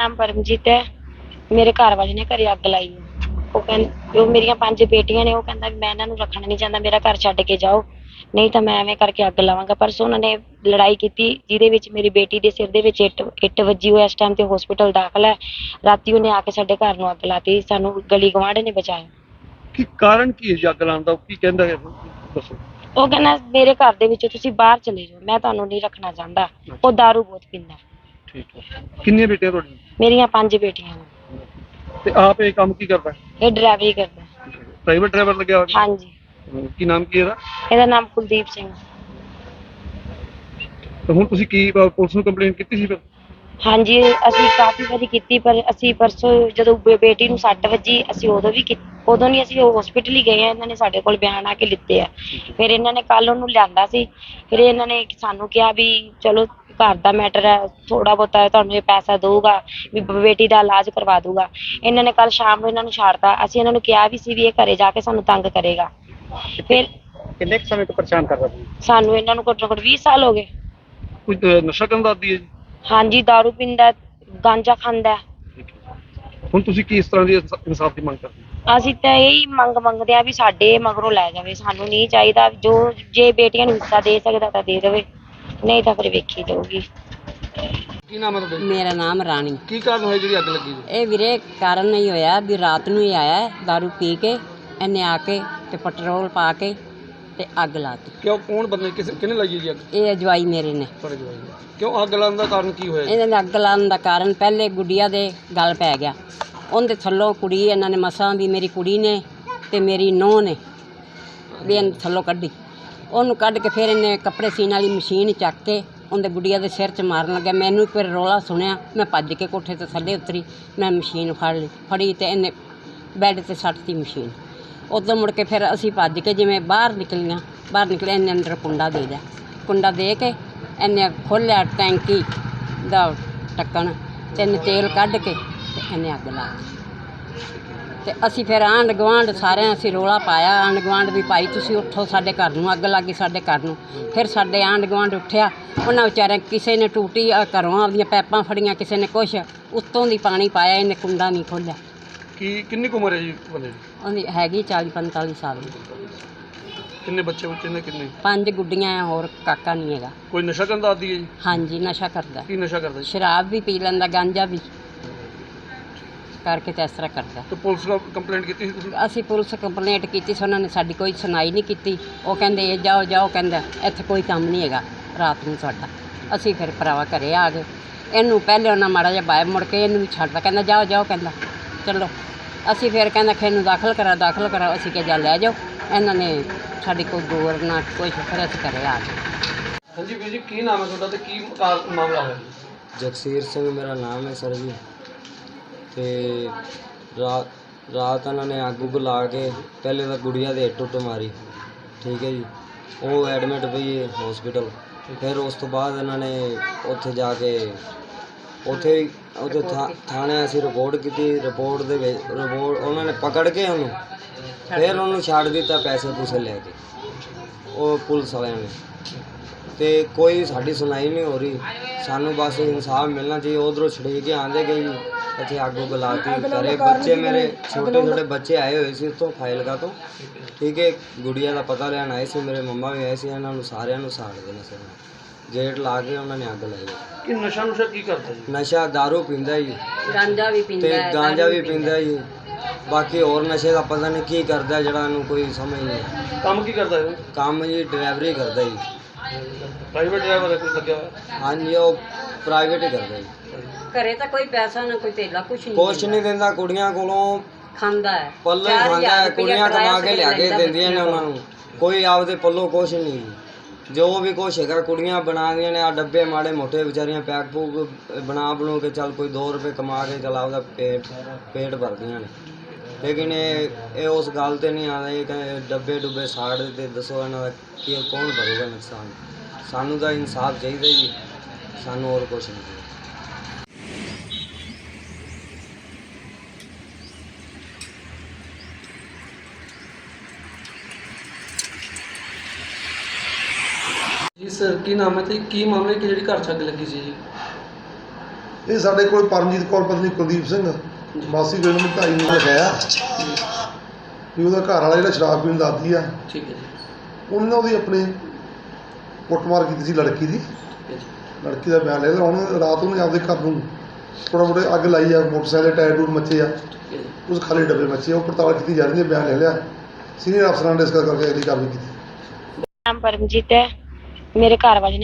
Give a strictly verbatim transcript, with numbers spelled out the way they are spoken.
ਨਾਮ ਪਰਮਜੀਤ ਹੈ। ਮੇਰੇ ਘਰ ਵਾਲੇ ਨੇ ਘਰੇ ਅੱਗ ਲਾਈ ਹੈ। ਉਹ ਕਹਿੰਦੇ ਉਹ ਮੇਰੀਆਂ ਪੰਜ ਬੇਟੀਆਂ ਨੇ। ਉਹ ਕਹਿੰਦਾ ਵੀ ਮੈਂ ਇਹਨਾਂ ਨੂੰ ਰੱਖਣਾ ਨਹੀਂ ਚਾਹੁੰਦਾ, ਮੇਰਾ ਘਰ ਛੱਡ ਕੇ ਜਾਓ, ਨਹੀਂ ਤਾਂ ਮੈਂ ਐਵੇਂ ਕਰਕੇ ਅੱਗ ਲਾਵਾਂਗਾ। ਪਰਸੋਂ ਉਹਨਾਂ ਨੇ ਲੜਾਈ ਕੀਤੀ ਜਿਹਦੇ ਵਿੱਚ ਮੇਰੀ ਬੇਟੀ ਦੇ ਸਿਰ ਦੇ ਵਿੱਚ ਇੱਟ ਇੱਟ ਵੱਜੀ। ਉਹ ਇਸ ਟਾਈਮ ਤੇ ਹਸਪੀਟਲ ਦਾਖਲ ਹੈ। ਰਾਤੀ ਉਹਨੇ ਆ ਕੇ ਸਾਡੇ ਘਰ ਨੂੰ ਅੱਗ ਲਾਤੀ। ਸਾਨੂੰ ਗਲੀ ਗਵਾਂਢ ਨੇ ਬਚਾਇਆ। ਕੀ ਕਾਰਨ ਕੀ ਹੈ ਜੀ ਅੱਗ ਲਾਉਣ ਦਾ? ਕੀ ਕਹਿੰਦਾ ਹੈ ਦੱਸੋ। ਉਹ ਕਹਿੰਦਾ ਮੇਰੇ ਘਰ ਦੇ ਵਿੱਚੋਂ ਤੁਸੀਂ ਬਾਹਰ ਚਲੇ ਜਾਓ, ਮੈਂ ਤੁਹਾਨੂੰ ਨਹੀਂ ਰੱਖਣਾ ਚਾਹੁੰਦਾ। ਉਹ ਦਾਰੂ ਬਹੁਤ ਪੀਂਦਾ। ਠੀਕ ਹੈ। ਕਿੰਨੀਆਂ ਬੇਟੀਆਂ ਤੁਹਾਡੀਆਂ? ਮੇਰੀਆਂ ਪੰਜ ਬੇਟੀਆਂ ਨੇ। ਤੇ ਆਪ ਇਹ ਕੰਮ ਕੀ ਕਰਦਾ? ਇਹ ਡਰਾਈਵਰੀ ਕਰਦਾ। ਪ੍ਰਾਈਵੇਟ ਡਰਾਈਵਰ ਲੱਗਿਆ ਹੋਇਆ? ਹਾਂਜੀ। ਕੀ ਨਾਮ ਕੀ ਇਹਦਾ? ਇਹਦਾ ਨਾਮ ਕੁਲਦੀਪ ਸਿੰਘ। ਤੇ ਹੁਣ ਤੁਸੀਂ ਕੀ ਅਹ, ਪੁਲਿਸ ਨੂੰ ਕੰਪਲੇਂਟ ਕੀਤੀ ਸੀ ਫਿਰ? ਹਾਂਜੀ, ਅਸੀਂ ਕਾਫੀ ਵਾਰੀ ਕੀਤੀ, ਪਰ ਅਸੀਂ ਪਰਸੋਂ ਜਦੋਂ ਬੇ- ਬੇਟੀ ਨੂੰ ਸੱਟ ਵੱਜੀ, ਅਸੀਂ ਉਦੋਂ ਵੀ ਕੀ- ਉਦੋਂ ਨਹੀਂ, ਅਸੀਂ ਹਸਪੀਟਲ ਹੀ ਗਏ ਆ। ਇਹਨਾਂ ਨੇ ਸਾਡੇ ਕੋਲ ਬਿਆਨ ਆ ਕੇ ਲਿੱਤੇ ਆ। ਫਿਰ ਇਹਨਾਂ ਨੇ ਕੱਲ ਉਹਨੂੰ ਲਿਆਂਦਾ ਸੀ। ਫਿਰ ਇਹਨਾਂ ਨੇ ਸਾਨੂੰ ਕਿਹਾ ਵੀ ਚਲੋ ਘਰ ਦਾ ਮੈਟਰ ਹੈ, ਥੋੜਾ ਬਹੁਤਾ ਤੁਹਾਨੂੰ ਇਹ ਪੈਸਾ ਦਊਗਾ, ਵੀ ਬ- ਬੇਟੀ ਦਾ ਇਲਾਜ ਕਰਵਾ ਦਊਗਾ। ਇਹਨਾਂ ਨੇ ਕੱਲ ਸ਼ਾਮ ਨੂੰ ਇਹਨਾਂ ਨੂੰ ਛੱਡਤਾ। ਅਸੀਂ ਇਹਨਾਂ ਨੂੰ ਕਿਹਾ ਵੀ ਸੀ ਵੀ ਇਹ ਘਰੇ ਜਾ ਕੇ ਸਾਨੂੰ ਤੰਗ ਕਰੇਗਾ। ਫਿਰ ਕਿੰਨੇ ਕੁ ਸਮੇਂ ਤੋਂ ਪਰੇਸ਼ਾਨ ਕਰਦਾ ਸੀ? ਸਾਨੂੰ ਇਹਨਾਂ ਨੂੰ ਘੱਟੋ ਘੱਟ ਵੀਹ ਸਾਲ ਹੋ ਗਏ। ਕੋਈ ਅਹ, ਨਸ਼ਾ ਕਰਨ ਦਾ ਆਦੀ ਹੈ ਜੀ? ਹਾਂਜੀ, ਦਾਰੂ ਪੀਂਦਾ, ਗਾਂਜਾ ਖਾਂਦਾ। ਹੁਣ ਤੁਸੀਂ ਕੀ ਇਸ ਤਰ੍ਹਾਂ ਦੀ ਇਨਸਾ- ਇਨਸਾਫ ਦੀ ਮੰਗ ਕਰਦੇ ਹੋ? ਅਸੀਂ ਤਾਂ ਇਹੀ ਮੰਗ ਮੰਗਦੇ ਆ ਵੀ ਸਾਡੇ ਮਗਰੋਂ ਲੈ ਜਾਵੇ। ਸਾਨੂੰ ਨਹੀਂ ਚਾਹੀਦਾ। ਜੋ ਜੇ ਬੇਟੀਆਂ ਨੂੰ ਹਿੱਸਾ ਦੇ ਸਕਦਾ ਤਾਂ ਦੇ ਦੇਵੇ, ਨਹੀਂ ਤਾਂ ਫਿਰ ਵੇਖੀ ਜਾਊਗੀ। ਕੀ ਨਾਮ ਹੈ ਤੁਹਾਡਾ? ਮੇਰਾ ਨਾਮ ਰਾਣੀ। ਕੀ ਕਾਰਨ ਹੋਇਆ ਜਿਹੜੀ ਅੱਗ ਲੱਗੀ ਜੀ? ਇਹ ਵੀਰੇ ਕਾਰਨ ਨਹੀਂ ਹੋਇਆ ਵੀ ਰਾਤ ਨੂੰ ਹੀ ਆਇਆ ਹੈ, ਦਾਰੂ ਪੀ ਕੇ ਇਹਨੇ ਆ ਕੇ ਤੇ ਪੈਟਰੋਲ ਪਾ ਕੇ ਤੇ ਅੱਗ ਲਾਤੀ। ਕਿਉਂ, ਕੌਣ ਬੰਦੇ ਕਿਸ ਕਿਹਨੇ ਲਾਈ ਹੈ ਜੀ ਅੱਗ? ਇਹ ਅਜਵਾਈ ਮੇਰੇ ਨੇ। ਤੁਹਾਡੇ ਜਵਾਈ ਨੇ। ਕਿਉਂ ਅੱਗ ਲਾਉਣ ਦਾ ਕਾਰਨ ਕੀ ਹੋਇਆ ਜੀ? ਇਹਨਾਂ ਨੇ ਅੱਗ ਲਾਉਣ ਦਾ ਕਾਰਨ ਪਹਿਲੇ ਗੁੱਡੀਆ ਦੇ ਗਲ ਪੈ ਗਿਆ। ਉਹਦੇ ਥੱਲੋਂ ਕੁੜੀ ਇਹਨਾਂ ਨੇ ਮਸਾਂ ਵੀ ਮੇਰੀ ਕੁੜੀ ਨੇ ਤੇ ਮੇਰੀ ਨੂੰਹ ਨੇ ਵੀ ਇਹਨੂੰ ਥੱਲੋਂ ਕੱਢੀ। ਉਹਨੂੰ ਕੱਢ ਕੇ ਫਿਰ ਇਹਨੇ ਕੱਪੜੇ ਸੀਨ ਵਾਲੀ ਮਸ਼ੀਨ ਚੱਕ ਕੇ ਉਹਦੇ ਗੁੱਡੀਆ ਦੇ ਸਿਰ 'ਚ ਮਾਰਨ ਲੱਗਿਆ। ਮੈਨੂੰ ਇੱਕ ਵਾਰ ਰੌਲਾ ਸੁਣਿਆ, ਮੈਂ ਭੱਜ ਕੇ ਕੋਠੇ ਤੋਂ ਥੱਲੇ ਉਤਰੀ। ਮੈਂ ਮਸ਼ੀਨ ਫੜ ਲਈ ਫੜੀ ਤੇ ਇਹਨੇ ਬੈੱਡ 'ਤੇ ਸੱਟਤੀ ਮਸ਼ੀਨ। ਉਦੋਂ ਮੁੜ ਕੇ ਫਿਰ ਅਸੀਂ ਭੱਜ ਕੇ ਜਿਵੇਂ ਬਾਹਰ ਨਿਕਲੀਆਂ, ਬਾਹਰ ਨਿਕਲੇ ਇਹਨੇ ਅੰਦਰ ਕੁੰਡਾ ਦੇ ਦਿਆ। ਕੁੰਡਾ ਦੇ ਕੇ ਇਹਨੇ ਖੋਲ੍ਹਿਆ ਟੈਂਕੀ ਦਾ ਢੱਕਣ ਤੇ ਇਹਨੇ ਤੇਲ ਕੱਢ ਕੇ ਤੇ ਇਹਨੇ ਅੱਗ ਲਾ ਦਿੱਤੀ। ਤੇ ਅਸੀਂ ਫਿਰ ਆਂਢ ਗੁਆਂਢ ਸਾਰਿਆਂ ਅਸੀਂ ਰੌਲਾ ਪਾਇਆ। ਆਂਢ ਗੁਆਂਢ ਵੀ ਭਾਈ ਤੁਸੀਂ ਉੱਠੋ, ਸਾਡੇ ਘਰ ਨੂੰ ਅੱਗ ਲੱਗ ਗਈ, ਸਾਡੇ ਘਰ ਨੂੰ। ਫਿਰ ਸਾਡੇ ਆਂਢ ਗੁਆਂਢ ਉੱਠਿਆ। ਉਹਨਾਂ ਵਿਚਾਰਿਆਂ ਕਿਸੇ ਨੇ ਟੂਟੀ ਅ, ਘਰੋਂ ਆਪਦੀਆਂ ਪੈਪਾਂ ਫੜੀਆਂ, ਕਿਸੇ ਨੇ ਕੁਛ ਉੱਤੋਂ ਦੀ ਪਾਣੀ ਪਾਇਆ। ਇਹਨੇ ਕੁੰਡਾ ਨਹੀਂ ਖੋਲ੍ਹਿਆ। ਕੀ ਕਿੰਨੀ ਕੁ ਉਮਰ ਹੈ ਜੀ ਬੰਦੇ ਦੀ? ਉਹਦੀ ਹੈਗੀ ਚਾਲੀ ਪੰਤਾਲੀ ਸਾਲ ਦੀ। ਕਿੰਨੇ ਬੱਚੇ ਬੱਚੇ ਨੇ? ਕਿੰਨੇ? ਪੰਜ ਗੁੱਡੀਆਂ ਆ, ਹੋਰ ਕਾਕਾ ਨਹੀਂ ਹੈਗਾ। ਕੋਈ ਨਸ਼ਾ ਕਰਨ ਦਾ ਆਦੀ ਹੈ ਜੀ? ਹਾਂਜੀ, ਨਸ਼ਾ ਕਰਦਾ। ਕੀ ਨਸ਼ਾ ਕਰਦਾ ਜੀ? ਸ਼ਰਾਬ ਵੀ ਪੀ ਲੈਂਦਾ, ਗਾਂਜਾ ਵੀ ਕਰਕੇ ਤੇ ਇਸ ਤਰ੍ਹਾਂ ਕਰਦਾ। ਤੇ ਪੁਲਿਸ ਨੂੰ ਕੰਪਲੇਂਟ ਕੀਤੀ ਸੀ ਤੁਸੀਂ? ਅਸੀਂ ਪੁਲਿਸ ਕੰਪਲੇਂਟ ਕੀਤੀ ਸੀ, ਉਹਨਾਂ ਨੇ ਸਾਡੀ ਕੋਈ ਸੁਣਾਈ ਨਹੀਂ ਕੀਤੀ। ਉਹ ਕਹਿੰਦੇ ਇਹ ਜਾਓ ਜਾਓ, ਕਹਿੰਦਾ ਇੱਥੇ ਕੋਈ ਕੰਮ ਨਹੀਂ ਹੈਗਾ ਰਾਤ ਨੂੰ ਸਾਡਾ। ਅਸੀਂ ਫਿਰ ਭਰਾਵਾ ਘਰੇ ਆ ਗਏ। ਇਹਨੂੰ ਪਹਿਲੇ ਉਹਨਾਂ ਮਾੜਾ ਜਿਹਾ ਬਾਹਰ ਮੁੜ ਕੇ ਇਹਨੂੰ ਵੀ ਛੱਡਦਾ, ਕਹਿੰਦਾ ਜਾਓ ਜਾਓ, ਕਹਿੰਦਾ ਚਲੋ। ਅਸੀਂ ਫਿਰ ਕਹਿੰਦਾ ਖੇ ਨੂੰ ਦਾਖਲ ਕਰਾ ਦਾਖਲ ਕਰਾ ਅਸੀਂ ਕਿਹਾ ਜਾ ਲੈ ਜਾਓ। ਇਹਨਾਂ ਨੇ ਸਾਡੀ ਕੋਈ ਗੌਰ ਨਾ ਕੁਛ, ਫਿਰ ਅਸੀਂ ਘਰੇ ਆ ਗਏ। ਹਾਂਜੀ ਵੀਰ ਜੀ, ਕੀ ਨਾਮ ਹੈ ਤੁਹਾਡਾ ਤੇ ਕੀ ਕਾਰ- ਮਾਮਲਾ ਹੋਇਆ ਜੀ? ਜਗਸੀਰ ਸਿੰਘ ਮੇਰਾ ਨਾਮ ਹੈ ਸਰ ਜੀ। ਤੇ ਰਾਤ ਰਾਤ ਇਹਨਾਂ ਨੇ ਅੱਗ ਉੱਗ ਲਾ ਕੇ ਪਹਿਲੇ ਤਾਂ ਗੁੜੀਆ ਦੇ ਇੱਟ ਉੱਟ ਮਾਰੀ, ਠੀਕ ਹੈ ਜੀ। ਉਹ ਐਡਮਿਟ ਪਈ ਹੈ ਹਸਪੀਟਲ। ਫਿਰ ਉਸ ਤੋਂ ਬਾਅਦ ਇਹਨਾਂ ਨੇ ਉੱਥੇ ਜਾ ਕੇ ਉੱਥੇ ਉੱਥੇ ਥਾ- ਥਾਣੇ ਅਸੀਂ ਰਿਪੋਰਟ ਕੀਤੀ। ਰਿਪੋਰਟ ਦੇ ਵਿੱਚ ਰਿਪੋਰਟ ਉਹਨਾਂ ਨੇ ਪਕੜ ਕੇ ਉਹਨੂੰ ਫਿਰ ਉਹਨੂੰ ਛੱਡ ਦਿੱਤਾ ਪੈਸੇ ਪੂਸੇ ਲੈ ਕੇ, ਉਹ ਪੁਲਿਸ ਵਾਲਿਆਂ ਨੇ। ਤੇ ਕੋਈ ਸਾਡੀ ਸੁਣਾਈ ਨਹੀਂ ਹੋ ਰਹੀ। ਸਾਨੂੰ ਬਸ ਇਨਸਾਫ ਮਿਲਣਾ ਚਾਹੀਏ। ਉਧਰੋਂ ਛੜੇ ਕੇ ਆਂਦੇ ਗਏ ਜੀ, ਇੱਥੇ ਅੱਗ ਉੱਗ ਲਾਤੀ ਘਰੇ। ਬੱਚੇ ਮੇਰੇ ਛੋਟੇ ਛੋਟੇ ਬੱਚੇ ਆਏ ਹੋਏ ਸੀ ਉੱਥੋਂ ਫਾਜ਼ਿਲਕਾ ਤੋਂ, ਠੀਕ ਹੈ। ਗੁੜੀਆ ਦਾ ਪਤਾ ਲੈਣ ਆਏ ਸੀ, ਮੇਰੇ ਮੰਮਾ ਵੀ ਆਏ ਸੀ। ਇਹਨਾਂ ਨੂੰ ਸਾਰਿਆਂ ਨੂੰ ਸਾੜ ਦੇਣਾ ਸੀ। ਗੇਟ ਲਾ ਕੇ ਉਹਨਾਂ ਨੇ ਅੱਗ ਲਾਈ। ਕੀ ਨਸ਼ਾ ਨੁਸ਼ਾ ਕੀ ਕਰਦਾ ਜੀ? ਨਸ਼ਾ ਦਾਰੂ ਪੀਂਦਾ ਜੀ ਗਾਂਜਾ ਵੀ ਤੇ ਪੀਂਦਾ, ਗਾਂਜਾ ਵੀ ਪੀਂਦਾ ਜੀ। ਬਾਕੀ ਹੋਰ ਨਸ਼ੇ ਦਾ ਪਤਾ ਨਹੀਂ ਕੀ ਕਰਦਾ, ਜਿਹੜਾ ਇਹਨੂੰ ਕੋਈ ਸਮਝ ਨਹੀਂ। ਕੰਮ ਕੀ ਕਰਦਾ ਹੈ? ਕੰਮ ਜੀ ਡਰਾਈਵਰੀ ਕਰਦਾ ਜੀ। ਪ੍ਰਾਈਵੇਟ ਡਰਾਈਵਰ ਹੈ ਕੋਈ ਲੱਗਿਆ ਹੋਇਆ? ਹਾਂਜੀ, ਉਹ ਪ੍ਰਾਈਵੇਟ ਹੀ ਕਰਦਾ ਜੀ। ਘਰੇ ਤਾਂ ਕੋਈ ਪੈਸਾ ਨਾ ਕੋਈ ਧੇਲਾ ਕੁਛ ਨਹੀਂ ਕੁਛ ਨਹੀਂ ਦਿੰਦਾ, ਕੁੜੀਆਂ ਕੋਲੋਂ ਖਾਂਦਾ ਹੈ। ਪੱਲੇ ਹੀ ਖਾਂਦਾ ਹੈ। ਕੁੜੀਆਂ ਕਮਾ ਕੇ ਲਿਆ ਕੇ ਦਿੰਦੀਆਂ ਨੇ ਉਹਨਾਂ ਨੂੰ, ਕੋਈ ਆਪਦੇ ਪੱਲੋਂ ਕੁਛ ਨਹੀਂ। ਜੋ ਵੀ ਕੁਛ ਹੈਗਾ ਕੁੜੀਆਂ ਬਣਾਉਂਦੀਆਂ ਨੇ। ਆ ਡੱਬੇ ਮਾੜੇ ਮੋਟੇ ਵਿਚਾਰੀਆਂ ਪੈਕ ਪੂਕ ਬਣਾ ਬਣੂ ਕੇ ਚੱਲ ਕੋਈ ਦੋ ਰੁਪਏ ਕਮਾ ਕੇ ਚੱਲ ਆਪਦਾ ਪੇਟ ਪੇਟ ਭਰਦੀਆਂ ਨੇ। ਲੇਕਿਨ ਇਹ ਇਹ ਉਸ ਗੱਲ 'ਤੇ ਨਹੀਂ ਆਉਂਦੇ। ਇਹ ਕਹਿੰਦੇ ਡੱਬੇ ਡੁੱਬੇ ਸਾੜ ਦਿੱਤੇ, ਦੱਸੋ ਇਹਨਾਂ ਦਾ ਕੀ ਕੌਣ ਭਰੂਗਾ ਨੁਕਸਾਨ? ਸਾਨੂੰ ਤਾਂ ਇਨਸਾਫ ਚਾਹੀਦਾ ਜੀ, ਸਾਨੂੰ ਹੋਰ ਕੁਛ ਨਹੀਂ। ਜੀ ਸਰ, ਕੀ ਨਾਮ ਹੈ ਤੇ ਕੀ ਮਾਮਲਾ ਕਿ ਜਿਹੜੀ ਘਰ 'ਚ ਅੱਗ ਲੱਗੀ ਸੀ ਜੀ? ਇਹ ਸਾਡੇ ਕੋਲ ਪਰਮਜੀਤ ਕੌਰ ਪਤਨੀ ਕੁਲਦੀਪ ਸਿੰਘ ਮਾਸੀ ਗੋਇੰਦ ਨੂੰ ਢਾਈ ਨੂੰ ਲਿਖਾਇਆ ਵੀ ਉਹਦਾ ਘਰ ਵਾਲਾ ਜਿਹੜਾ ਸ਼ਰਾਬ ਪੀਣ ਦਾ ਆਦੀ ਆ। ਠੀਕ ਹੈ ਜੀ। ਉਹਨੇ ਨਾ ਉਹਦੀ ਆਪਣੀ ਕੁੱਟਮਾਰ ਕੀਤੀ ਸੀ ਲੜਕੀ ਦੀ। ਠੀਕ ਹੈ ਜੀ। ਲੜਕੀ ਦਾ ਬਿਆਨ ਲਿਆ। ਹੁਣ ਰਾਤ ਉਹਨੇ ਆਪਦੇ ਘਰ ਨੂੰ ਥੋੜ੍ਹਾ ਮੋਟੇ ਅੱਗ ਲਾਈ ਆ, ਮੋਟਰਸਾਈਕਲ ਦੇ ਟਾਇਰ ਟੂਰ ਮੱਚੇ ਆ, ਠੀਕ ਹੈ ਜੀ। ਉਸ ਖਾਲੀ ਡੱਬੇ ਮੱਚੇ ਆ। ਉਹ ਪੜਤਾਲ ਕੀਤੀ ਜਾ ਰਹੀ ਹੈ, ਬਿਆਨ ਲੈ ਲਿਆ, ਸੀਨੀਅਰ ਅਫਸਰਾਂ ਨੇ ਡਿਸਕਸ ਕਰਕੇ ਅਗਲੀ ਕਾਰਵਾਈ ਕੀਤੀ। ਨਾਮ ਪਰਮਜੀਤ ਹੈ। ਮੇਰੇ ਘਰ ਵਾਲੇ ਨੇ